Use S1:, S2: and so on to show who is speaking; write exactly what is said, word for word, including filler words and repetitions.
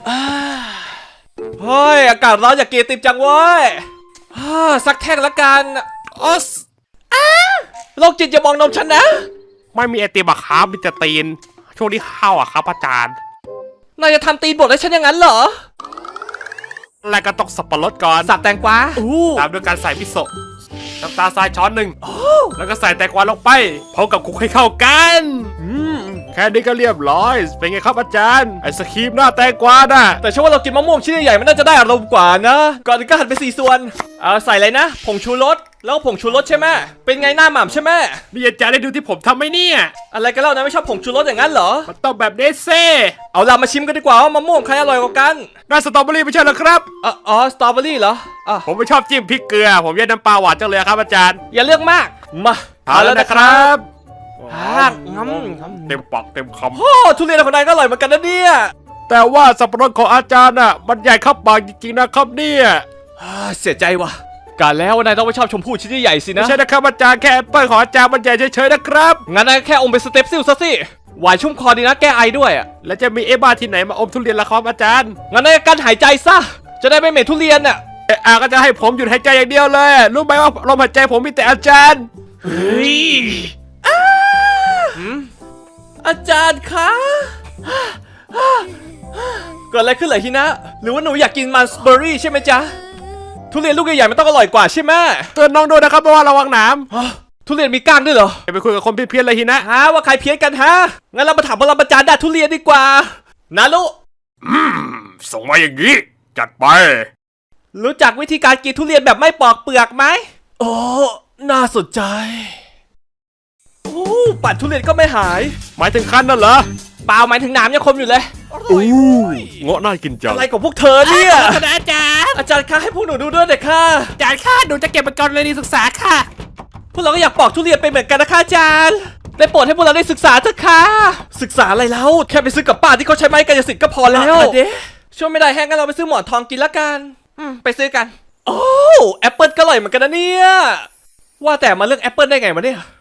S1: เฮ้ยอากาศร้อนอย่ากินติมจังเว้ยสักแท่งละกันออสโรคจิตอย่ามองนมฉันนะ
S2: ไม่มีไอติมอะครับมีแต่ตีนช่วงนี้ข้าวอะครับอาจารย์
S1: นายจะทำตีนบดให้ฉันอย่างนั้นเหรอ
S2: แล้วก็ต้องสับปะรดก่อน
S1: สับแตงกวา
S2: ตามด้วยการใส่มิโซะน้ำตาลทรายช้อนหนึ่งแล้วก็ใส่แตงกวาลงไปพร้อมกับคลุกให้เข้ากันแค่นี้ก็เรียบร้อยเป็นไงครับอาจารย์ไอศครีมหน้าแตงกวาน่ะ
S1: แต่ฉันว่าเรากินมะม่วงชิ้นใหญ่มันน่าจะได้อารมณ์กว่านะก่อนอื่นก็หั่นเป็นสี่ส่วนเอาใส่เลยนะผงชูรสแล้วผงชูรสใช่ไหมเป็นไงหน้าหม่ำใช่ไหม
S2: นี่อาจารย์ได้ดูที่ผมทำไหมเนี่ย
S1: อะไรกันเล่านะไม่ชอบผงชูรสอย่างนั้นเหรอ
S2: มันต้องแบบเนสเซ่
S1: เอาล่ะมาชิมกันดีกว่าว่ามะม่วงใครอร่อยกว่ากัน
S2: น่าสตรอเบอรี่ไม่ใช่เหรอครับ
S1: อ๋ออ๋อสตรอเบอรี่เหรออ๋อ
S2: ผมไม่ชอบจิ้มพริกเกลือผมแยกน้ำปลาหวานจังเลยครับอาจารย์
S1: อย่าเลือกมากมา
S2: เอาแล้วนะครับ
S1: งั้ม
S2: เต็มปากเต็มคำ
S1: โอ้ทุเรียนของนายก็อร่อยเหมือนกันนะเนี่ย
S2: แต่ว่าสับปะรดของอาจารย์น่ะมันใหญ่เข้าปากจริงๆนะครับเนี่ย
S1: เสียใจว่ะการแล้วนายต้องไม่ชอบชมพู่ชิ้นใหญ่สินะ
S2: ไม่ใช่นะครับอาจารย์แค่แอปเปิลของอาจารย์มันใหญ่เฉยๆนะครับ
S1: งั้นนายแค่อมเป็นสเต็ปซิลซะสิหวานชุ่มคอดีนะแก้ไอด้วยอ่ะ
S2: แล้วจะมีเอบ้าที่ไหนมาอมทุเรียนละครับอาจารย์
S1: งั้นนายกั้นหายใจซะจะได้ไม่เหม็นทุเรียนอ่ะ
S2: เออก็จะให้ผมหยุดหายใจอย่างเดียวเลยรู้ไหมว่าลมหายใจผมมีแต่อาจารย์
S1: เฮ้ยอาจารย์คะเกิดอะไรขึ้นเหรอฮินะหรือว่าหนูอยากกินมันสเบอร์รี่ใช่ไหมจ๊ะทุเรียนลูกใหญ่ๆมันต้องอร่อยกว่าใช่ไหม
S2: เตือนน้องด้วยนะครับเพราะว่าระวังหนาม
S1: ทุเรียนมีก้างด้วยเหรอ
S2: ไปคุยกับคนเพี้ยนๆเลยฮินะ
S1: ฮะว่าใครเพี้ยนกันฮะงั้นเรามาถามปรมาจารย์ด้านทุเรียนดีกว่านารุ
S2: อืมส่งมาอย่างนี้จัดไป
S1: รู้จักวิธีการกินทุเรียนแบบไม่ปอกเปลือกไหมโอ้น่าสนใจโอ้ปั่นทุเรียนก็ไม่หาย
S2: หมายถึงคั้นนั่นเหรอ
S1: เปล่าหมายถึงน้ำยังคมอยู่เลย
S2: อู้เงาะน่ากินจัง
S1: อะไรของพวกเธอเนี่ย
S2: อาจารย์
S1: อาจารย์คะให้พวกหนูดูด้วยเด็กค่ะ
S2: อาจารย์ค่ะหนูจะเก็บเป็นกรณีศึกษาค่ะ
S1: พวกเราก็อยากปอกทุเรียนไปเหมือนกันนะคะอาจารย์ได้โปรดให้พวกเราได้ศึกษาเถอะค่ะศึกษาอะไรแล้วแค่ไปซื้อกับป้าที่เขาใช้ไม้กายสิทธิ์ก็พอแล้วเด้ช่วยไม่ได้แห้งงั้นเราไปซื้อหมอนทองกินละกันอืมไปซื้อกันโอ้แอปเปิลก็อร่อยเหมือนกันนะเนี่ยว่าแต่มาเลือกแอปเปิลได้ไงมาเนี่ย